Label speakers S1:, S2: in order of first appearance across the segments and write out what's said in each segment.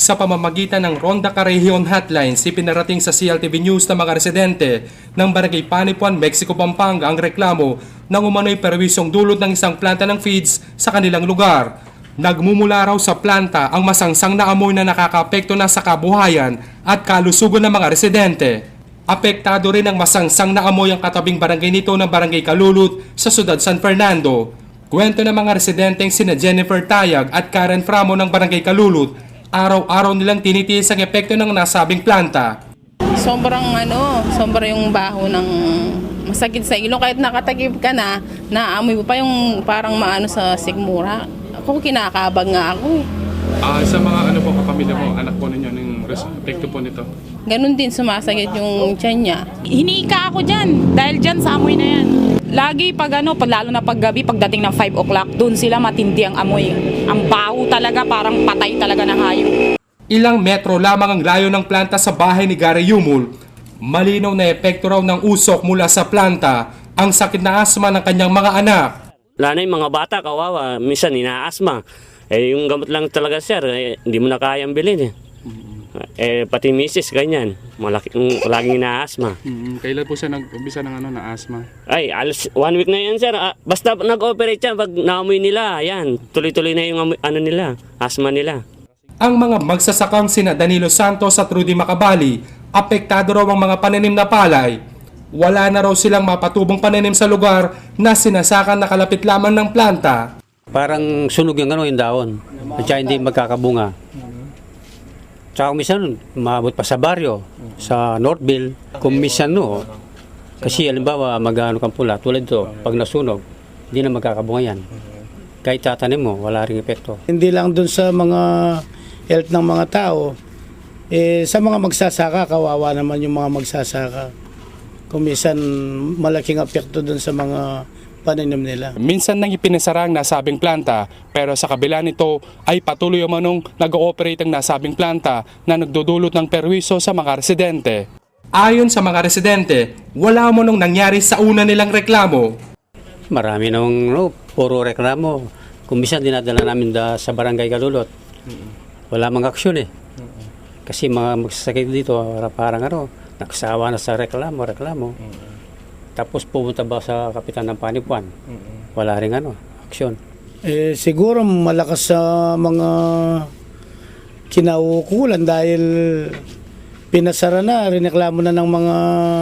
S1: Sa pamamagitan ng Ronda Carejon Hotline, ipinarating sa CLTV News ng mga residente ng Barangay Panipuan, Mexico, Pampanga ang reklamo ng umano'y perwisyong dulot ng isang planta ng feeds sa kanilang lugar. Nagmumula raw sa planta ang masangsang na amoy na nakakaapekto na sa kabuhayan at kalusugan ng mga residente. Apektado rin ang masangsang na amoy ang katabing barangay nito ng Barangay Kalulut sa Siyudad San Fernando. Kwento ng mga residenteng sina Jennifer Tayag at Karen Framo ng Barangay Kalulut, araw-araw nilang tinitiis ang epekto ng nasabing planta.
S2: Sobrang yung baho ng masakit sa ilong. Kahit nakatakip ka na, naamoy mo pa yung parang maano sa sigmura. Ako kinakabag nga ako eh.
S1: Sa mga kapamilya mo, anak po ninyo, ng epekto po nito?
S2: Ganun din sumasakit yung tiyan niya.
S3: Hinika ako dyan, dahil dyan sa amoy na yan. Lagi lalo na paggabi, pagdating ng 5 o'clock, doon sila matindi ang amoy. Ang baho talaga, parang patay talaga ng hayop.
S1: Ilang metro lamang ang layo ng planta sa bahay ni Gary Yumul. Malinaw na epekto raw ng usok mula sa planta ang sakit na asma ng kanyang mga anak.
S4: Lalo na yung mga bata, kawawa, minsan ina-asma. Yung gamot lang talaga, sir, hindi mo na kayang bilhin pati misis, ganyan. Laging ina-asma.
S1: Kailan po siya nag-umpisa ng na-asma?
S4: Ay, 1 week na yan, sir. Basta nag-operate siya, pag naamoy nila, ayan, tuloy-tuloy na yung asma nila.
S1: Ang mga magsasakang sina Danilo Santos at Rudy Macabali, apektado raw ang mga pananim na palay. Wala na raw silang mapatubong pananim sa lugar na sinasakan na kalapit lamang ng planta.
S5: Parang sunog yung yung dahon at saka hindi magkakabunga. Tsaka minsan, maabot pa sa baryo, sa Northville. Kung minsan kasi halimbawa mag-ano kang pula, tulad ito, pag nasunog, hindi na magkakabunga yan. Kahit tatanim mo, wala ring epekto.
S6: Hindi lang dun sa mga health ng mga tao, sa mga magsasaka, kawawa naman yung mga magsasaka. Kung minsan, malaking epekto dun sa mga pananim nila.
S1: Minsan nang ipinasara ang nasabing planta, pero sa kabila nito ay patuloy umanong nag-ooperate ang nasabing planta na nagdudulot ng perwisyo sa mga residente. Ayon sa mga residente, wala mo nung nangyari sa una nilang reklamo.
S5: Marami nung puro reklamo. Kung minsan dinadala namin sa Barangay Kalulot, wala mang aksyon Kasi mga magsasakit dito, parang nakasawa na sa reklamo. Tapos pumunta ba sa kapitan ng Panipuan? Wala rin aksyon.
S6: Siguro malakas sa mga kinaukulan dahil pinasara na, rineklamo na ng mga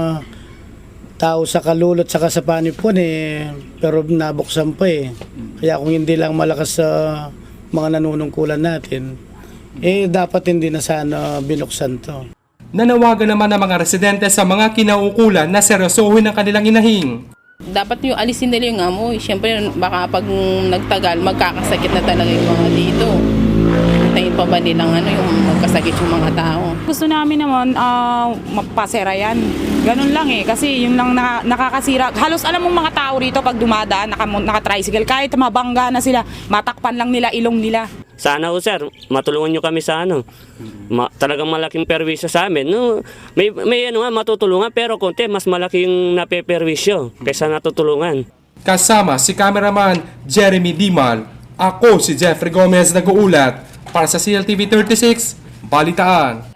S6: tao sa Kalulot saka sa Panipuan pero nabuksan pa Kaya kung hindi lang malakas sa mga nanunungkulan natin, dapat hindi na sana binuksan to.
S1: Nanawagan naman ang mga residente sa mga kinaukulan na seryosohin ang kanilang inahing.
S2: Dapat yung alisin nila yung amoy. Siyempre baka pag nagtagal, magkakasakit na talaga yung mga dito. Hintayin pa ba nilang yung magkasakit yung mga tao?
S3: Gusto namin naman mapasera yan. Ganun lang kasi yung lang nakakasira. Halos alam mong mga tao rito pag dumadaan, naka-tricycle, kahit mabangga na sila, matakpan lang nila ilong nila.
S4: Sana sir, matulungan nyo kami sa talagang malaking perwisyo sa amin. May matutulungan pero konti mas malaking napeperwisyo kaysa natutulungan.
S1: Kasama si cameraman Jeremy Dimal, ako si Jeffrey Gomez nag-uulat para sa CLTV 36 Balitaan.